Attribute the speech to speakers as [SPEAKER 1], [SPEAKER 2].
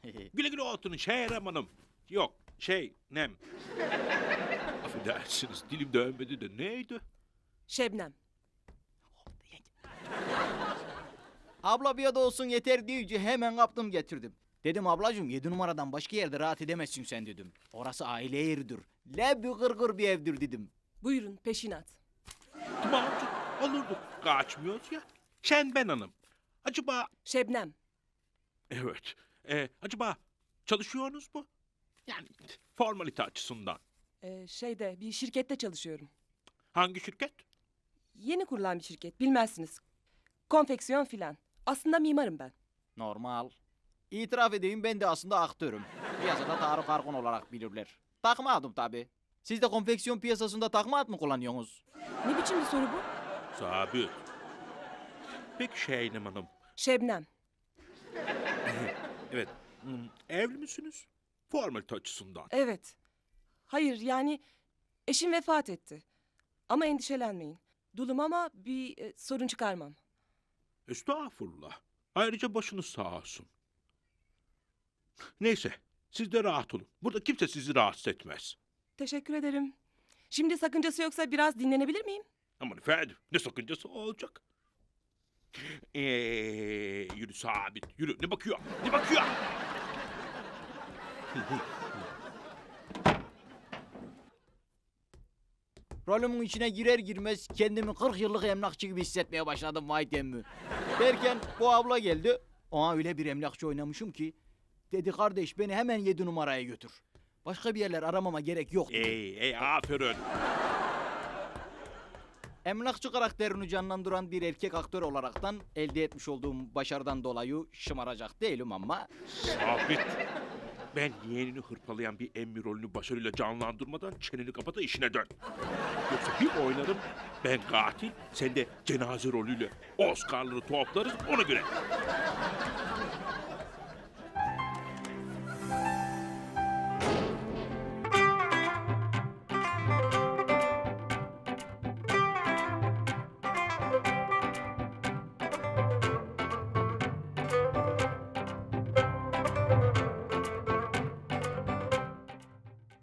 [SPEAKER 1] Güle güle oturun Şehrem Hanım. Yok nem. Affedersiniz dilim dönmedi de neydi?
[SPEAKER 2] Şebnem.
[SPEAKER 3] Abla bir adı olsun yeter deyince hemen kaptım getirdim. Dedim ablacığım 7 numaradan başka yerde rahat edemezsin sen dedim. Orası aile yeridir. Lebbi gırgır bir evdir dedim.
[SPEAKER 2] Buyurun peşinat.
[SPEAKER 1] Tamam olurduk. Kaçmıyoruz ya. Ben Hanım. Acaba
[SPEAKER 2] Şebnem.
[SPEAKER 1] evet. Acaba çalışıyorsunuz mu? Yani formalite açısından.
[SPEAKER 2] Bir şirkette çalışıyorum.
[SPEAKER 1] Hangi şirket?
[SPEAKER 2] Yeni kurulan bir şirket bilmezsiniz. Konfeksiyon filan. Aslında mimarım ben.
[SPEAKER 3] Normal. İtiraf edeyim ben de aslında aktörüm. Piyasada Tarık Arkun olarak bilirler. Takma adım tabi. Siz de konfeksiyon piyasasında takma ad mı kullanıyorsunuz?
[SPEAKER 2] Ne biçim bir soru bu?
[SPEAKER 1] Sabit. Peki Şehrem Hanım.
[SPEAKER 2] Şebnem.
[SPEAKER 1] Evet. Evli misiniz? Formalite açısından.
[SPEAKER 2] Evet. Hayır yani eşim vefat etti. Ama endişelenmeyin. Dulum ama bir sorun çıkarmam.
[SPEAKER 1] Estağfurullah. Ayrıca başınız sağ olsun. Neyse, siz de rahat olun. Burada kimse sizi rahatsız etmez.
[SPEAKER 2] Teşekkür ederim. Şimdi sakıncası yoksa biraz dinlenebilir miyim?
[SPEAKER 1] Aman efendim, ne sakıncası olacak? Yürü Sabit, yürü. Ne bakıyor? Ne bakıyor?
[SPEAKER 3] Rolümün içine girer girmez kendimi 40 yıllık emlakçı gibi hissetmeye başladım vay demmi. Derken bu abla geldi. Ona öyle bir emlakçı oynamışım ki. Dedi kardeş beni hemen 7 numaraya götür. Başka bir yerler aramama gerek yok.
[SPEAKER 1] Aferin.
[SPEAKER 3] Emlakçı karakterini canlandıran bir erkek aktör olaraktan elde etmiş olduğum başarıdan dolayı şımaracak değilim ama...
[SPEAKER 1] Sabit. Ben yeğenini hırpalayan bir emmi rolünü başarıyla canlandırmadan çeneni kapa da işine dön. Yoksa bir oynarım, ben katil, sen de cenaze rolüyle Oscar'ları toplarız ona göre.